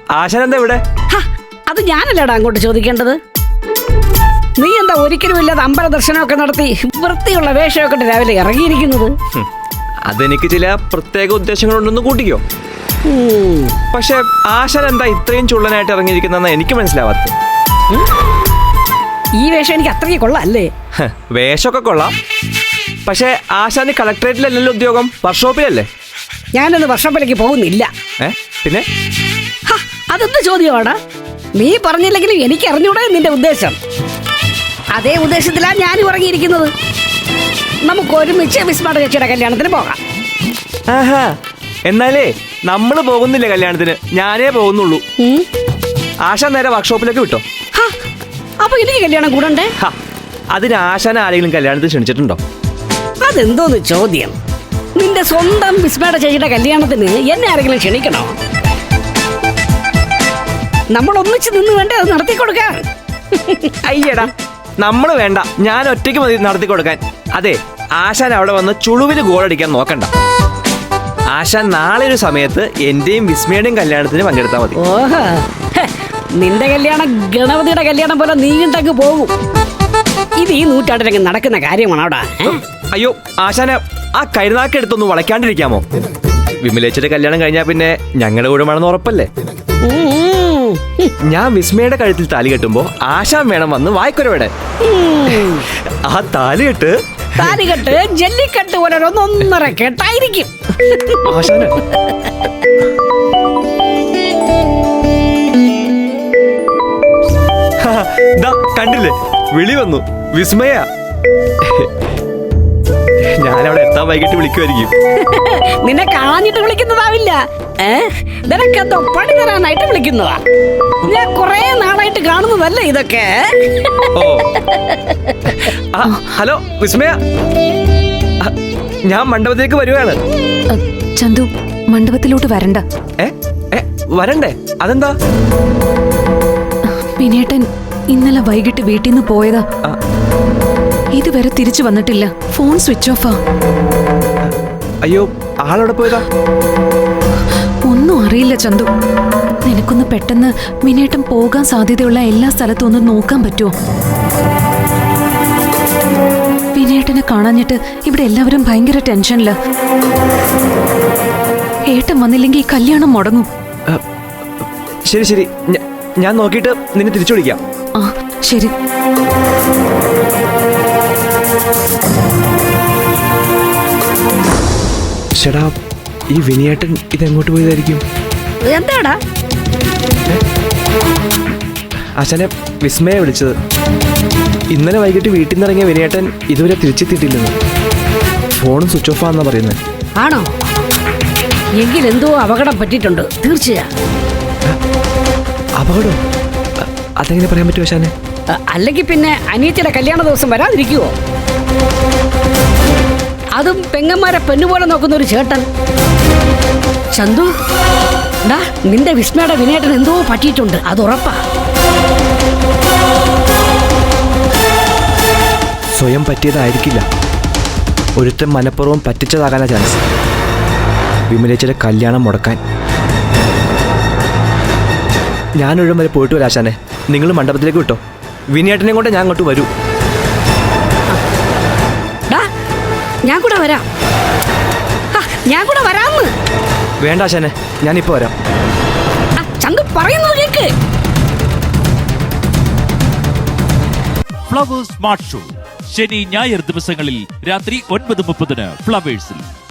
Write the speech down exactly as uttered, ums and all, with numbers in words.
ആശാൻ എന്താ ഇവിടെ? അത് ഞാനല്ലേടാ അങ്ങോട്ട് ചോദിക്കേണ്ടത്. നീ എന്താ ഒരിക്കലും ഇല്ലാതെ അമ്പല ദർശനമൊക്കെ നടത്തി വൃത്തിയുള്ള വേഷമൊക്കെ രാവിലെ ഇറങ്ങിയിരിക്കുന്നത്? അതെനിക്ക് ചില പ്രത്യേക ഉദ്ദേശങ്ങളുണ്ടെന്ന് കൂട്ടിക്കോ. പക്ഷെ ആശാൻ എന്താ ഇത്രയും ചുള്ളനായിട്ട് ഇറങ്ങിയിരിക്കുന്ന എനിക്ക് മനസ്സിലാവാത്ത. ഈ വേഷം എനിക്ക് അത്രയ്ക്ക് കൊള്ളാം അല്ലേ? വേഷമൊക്കെ കൊള്ളാം, പക്ഷെ ആശാന് കളക്ടറേറ്റിലല്ലല്ലോ ഉദ്യോഗം, വർക്ക്ഷോപ്പിലല്ലേ? ഞാനൊന്ന് വർക്ക്ഷോപ്പിലേക്ക് പോകുന്നില്ല. പിന്നെ അതെന്ത് ചോദ്യമാടാ? നീ പറഞ്ഞില്ലെങ്കിലും എനിക്ക് അറിഞ്ഞൂടെ നിന്റെ ഉദ്ദേശം. അതേ ഉദ്ദേശത്തിലാണ് ഞാനും ഇറങ്ങിയിരിക്കുന്നത്. നമുക്ക് ഒരുമിച്ച് വിസ്മയുടെ ചേച്ചിയുടെ കല്യാണത്തിന് പോകാം. ആഹാ, എന്നാലേ നമ്മള് പോകുന്നില്ല കല്യാണത്തിന്, ഞാനേ പോകുന്നുള്ളൂ. ആശാൻ നേരെ വർക്ക്ഷോപ്പിലേക്ക് വിട്ടോ. അപ്പൊ എനിക്ക് കല്യാണം കൂടണ്ടേ? അതിന് ആശാൻ ആരെങ്കിലും കല്യാണത്തിന് ക്ഷണിച്ചിട്ടുണ്ടോ? അതെന്തോന്ന് ചോദ്യം? നിന്റെ സ്വന്തം വിസ്മയുടെ ചേച്ചിയുടെ കല്യാണത്തിന് എന്നെ ആരെങ്കിലും ക്ഷണിക്കണോ? നമ്മൾ ഒന്നിച്ച് നിന്ന് വേണ്ടേ അത് നടത്തി കൊടുക്കാൻ? അയ്യടാ, നമ്മള് വേണ്ട, ഞാൻ ഒറ്റയ്ക്ക് മതി നടത്തി കൊടുക്കാൻ. അതെ, ആശാൻ അവിടെ വന്ന് ചുളുവില് ഗോളടിക്കാൻ നോക്കണ്ട. ആശാൻ നാളെ ഒരു സമയത്ത് എന്റെയും വിസ്മയുടെയും കല്യാണത്തിന് പങ്കെടുത്താൽ മതി. ഓഹോ, നിന്റെ കല്യാണം ഗണപതിയുടെ കല്യാണം പോലെ നീണ്ടങ്ങ് പോകും. ഇത് ഈ നൂറ്റാണ്ടിലങ്ങ് നടക്കുന്ന കാര്യമാണ് അവിടെ. അയ്യോ ആശാനെ, ആ കരുനാക്ക് എടുത്തൊന്ന് വളയ്ക്കാണ്ടിരിക്കാമോ? വിമലേച്ചിയുടെ കല്യാണം കഴിഞ്ഞാ പിന്നെ ഞങ്ങളുടെ കൂടെ വേണമെന്ന് ഉറപ്പല്ലേ? ഞാൻ വിസ്മയുടെ കഴുത്തിൽ താലി കെട്ടുമ്പോ ആശാൻ വേണം വന്ന് വായിക്കൊരവിടെ. ആ താലി കെട്ട് താലി കെട്ട് ജല്ലിക്കെട്ട് പോലെ ഒന്നൊന്നര കെട്ടായിരിക്കും. ആശാന കണ്ടില്ലേ, വിളി വന്നു. വിസ്മയ, ഞാനവിടെ എത്താൻ വൈകിട്ട് വിളിക്കുമായിരിക്കും. നിന്നെ കാണാഞ്ഞിട്ട് വിളിക്കുന്നതാവില്ല, നിനക്കെന്തോ പണി തരാനായിട്ട് വിളിക്കുന്നതാ. ഞാൻ കൊറേ നാളായിട്ട് കാണുന്നതല്ലേ ഇതൊക്കെ. ഓ, ഹലോ വിസ്മയ, ഞാൻ മണ്ഡപത്തിലേക്ക് വരുവാണ്. ചന്തു, മണ്ഡപത്തിലോട്ട് വരണ്ട. വരണ്ടേ? അതെന്താ? വിനേട്ടൻ ഇന്നലെ വൈകിട്ട് വീട്ടിൽ നിന്ന് പോയതാ, ഇതുവരെ തിരിച്ചു വന്നിട്ടില്ല. ഫോൺ സ്വിച്ച് ഓഫാ. അയ്യോ, ആളവിടെ പോയതാ? ഒന്നും അറിയില്ല ചന്തു. നിനക്കൊന്ന് പെട്ടെന്ന് വിനേട്ടൻ പോകാൻ സാധ്യതയുള്ള എല്ലാ സ്ഥലത്തും ഒന്ന് നോക്കാൻ പറ്റുമോ? വിനേട്ടനെ കാണാഞ്ഞിട്ട് ഇവിടെ എല്ലാവരും ഭയങ്കര ടെൻഷനില്ല. ഏട്ടൻ വന്നില്ലെങ്കിൽ ഈ കല്യാണം മുടങ്ങും. ശരി ശരി, ഞാൻ നോക്കിയിട്ട് നിന്നെ തിരിച്ചു വിളിക്കാം. ആ ശരി. ചേടാ, ഈ വിനയേട്ടൻ ഇതെങ്ങോട്ട് പോയതായിരിക്കും? എന്താടാ? ആശാനെ, വിസ്മയെ വിളിച്ചത്. ഇന്നലെ വൈകിട്ട് വീട്ടിൽ നിന്ന് ഇറങ്ങിയ വിനയേട്ടൻ ഇതുവരെ തിരിച്ചെത്തിയിട്ടില്ലെന്ന്. ഫോണും സ്വിച്ച് ഓഫ് ആണെന്നാ പറയുന്നത്. ആണോ? എങ്കിൽ എന്തോ അപകടം പറ്റിയിട്ടുണ്ട് തീർച്ചയാ. അപകടം? അതെങ്ങനെ പറയാൻ പറ്റുമോ ആശാനെ? അല്ലെങ്കിൽ പിന്നെ അനിയത്തിയുടെ കല്യാണ ദിവസം വരാതിരിക്കുവോ? അതും പെങ്ങന്മാരെ പെണ്ണുപോലെ നോക്കുന്ന ഒരു ചേട്ടൻ. ചന്തു, നിന്റെ വിസ്മയുടെ വിനേട്ടൻ എന്തോ പറ്റിയിട്ടുണ്ട്, അത് ഉറപ്പാ. സ്വയം പറ്റിയതായിരിക്കില്ല, ഒരുത്തൻ മനഃപൂർവ്വം പറ്റിച്ചതാകാനാ ചാൻസ്. വിമലേച്ചിയുടെ കല്യാണം മുടക്കാൻ. ഞാനൊഴും വരെ പോയിട്ട് വരാം ആശാനെ. നിങ്ങൾ മണ്ഡപത്തിലേക്ക് വിട്ടോ, വിനയേട്ടനെ കൊണ്ട് ഞാൻ അങ്ങോട്ട് വരൂ. ഞാൻ കൂടെ വരാം. ഞാൻ കൂടെ വരാന്ന്. വേണ്ട ആശാനെ, ഞാനിപ്പോ വരാം. ചന്തു പറയുന്നത് കേക്ക്. ഫ്ലവേഴ്സ് സ്മാർട്ട് ഷോ ശനി ഞായർ ദിവസങ്ങളിൽ രാത്രി ഒൻപത് മുപ്പതിന് ഫ്ലവേഴ്സിൽ.